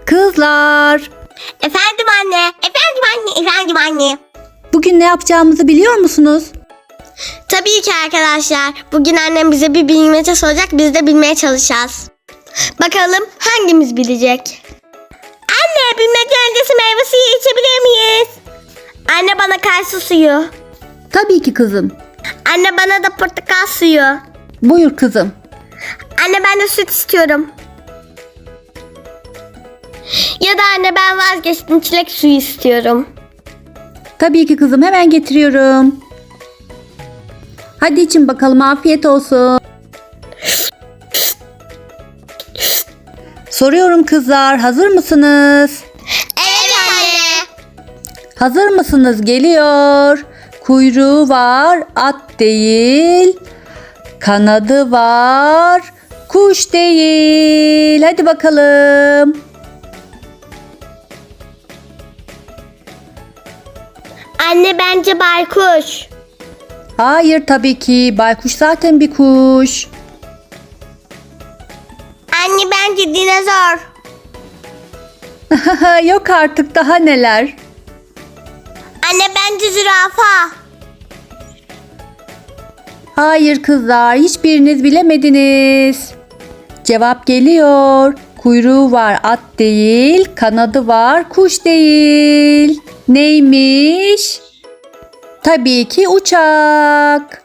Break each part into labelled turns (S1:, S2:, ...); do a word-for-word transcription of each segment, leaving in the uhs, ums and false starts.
S1: Kızlar,
S2: Efendim anne, efendim anne, efendim anne.
S1: bugün ne yapacağımızı biliyor musunuz?
S2: Tabii ki arkadaşlar. Bugün annem bize bir bilmece soracak, biz de bilmeye çalışacağız. Bakalım hangimiz bilecek? Anne, bilmece öncesi meyve suyu içebilir miyiz? Anne bana kayısı suyu.
S1: Tabii ki kızım.
S2: Anne bana da portakal suyu.
S1: Buyur kızım.
S2: Anne ben de süt istiyorum. Ya da anne ben vazgeçtim, çilek suyu istiyorum.
S1: Tabii ki kızım, hemen getiriyorum. Hadi için bakalım, afiyet olsun. Soruyorum kızlar, hazır mısınız?
S2: Evet anne.
S1: Hazır mısınız? Geliyor. Kuyruğu var, at değil. Kanadı var, kuş değil. Hadi bakalım.
S2: Anne bence baykuş.
S1: Hayır tabii ki. Baykuş zaten bir kuş.
S2: Anne bence dinozor.
S1: Yok artık, daha neler.
S2: Anne bence zürafa.
S1: Hayır kızlar, hiçbiriniz bilemediniz. Cevap geliyor. Kuyruğu var, at değil. Kanadı var, kuş değil. Neymiş? Tabii ki uçak.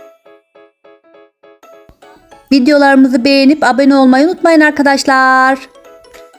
S1: Videolarımızı beğenip abone olmayı unutmayın arkadaşlar.